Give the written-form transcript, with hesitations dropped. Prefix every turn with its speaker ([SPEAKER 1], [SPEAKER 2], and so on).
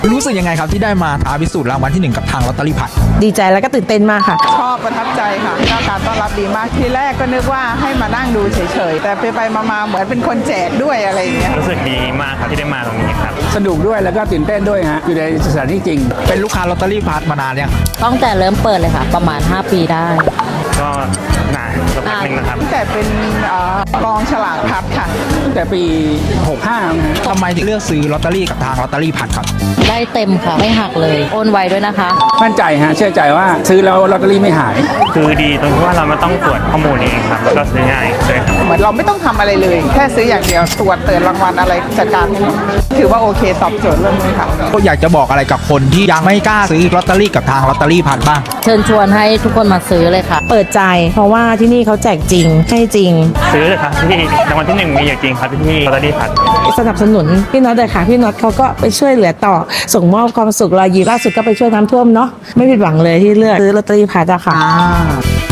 [SPEAKER 1] รู้สึกยังไงครับที่ได้มาท้าพิสูจน์รางวัลที่1กับทางลอตเตอรี่พัด
[SPEAKER 2] ดีใจแล้วก็ตื่นเต้นมากค่ะ
[SPEAKER 3] ชอบประทับใจค่ะการต้อนรับดีมากทีแรกก็นึกว่าให้มานั่งดูเฉยๆแต่ไปมาเหมือนเป็นคนแจกด้วยอะไรอย่างเงี้ย
[SPEAKER 4] รู้สึกดีมากครับที่ได้มาตรงนี้ครับ
[SPEAKER 5] สนุกด้วยแล้วก็ตื่นเต้นด้วยฮะอยู่ในสถานที่จริง
[SPEAKER 1] เป็นลูกค้าลอตเตอรี่พัดมานานยัง
[SPEAKER 6] ตั้งแต่เริ่มเปิดเลยค่ะประมาณ5 ปีได้
[SPEAKER 4] ก็นานสักพักหนึ่งนะครับ
[SPEAKER 3] แต่เป็นกองฉลากพัดค่ะ
[SPEAKER 5] ตั้งแต่ปี 65นะฮะ
[SPEAKER 1] ทำไมถึงเลือกซื้อลอตเตอรี่กับทางลอตเตอรี่พัดครับ
[SPEAKER 6] ได้เต็มค่ะไม่หักเลยโอนไวด้วยนะคะ
[SPEAKER 5] มั่นใจฮะเชื่อใจว่าซื้อแล้วลอตเตอรี่ไม่หาย
[SPEAKER 4] คือดีตรงที่ว่าเราไม่ต้องตรวจข้อมูลเองครับแล้วก็ซื้อง่ายด้วยครับ
[SPEAKER 3] เหมือนเราไม่ต้องทำอะไรเลยแค่ซื้ออย่างเดียวตรวจเตือนรางวัลอะไรจัดการให้หมดถือว่าโอเคตอบโจทย์เรื่องนี้ค่ะ
[SPEAKER 1] ก็อยากจะบอกอะไรกับคนที่ยังไม่กล้าซื้อลอตเตอรี่กับทางลอตเตอรี่พัดบ้าง
[SPEAKER 6] เชิญชวนให้ทุกคนมาซื้อเลยค่ะ
[SPEAKER 2] เปิดใจเพราะว่าที่นี่เขาแจกจริงให้จริง
[SPEAKER 4] ซื้อเลยครับที่รางวัลที่1มีอยู่จริงครับที่ลอตเตอรี่พัด
[SPEAKER 2] สนับสนุนพี่น็อตเลยค่ะพี่น็อตเขาก็ไปช่วยเหลือต่อส่งมอบความสุขรอยยิ้มล่าสุดก็ไปช่วยน้ำท่วมเนาะไม่ผิดหวังเลยที่เลือกซื้อลอตเตอรี่พัดอะค่ะ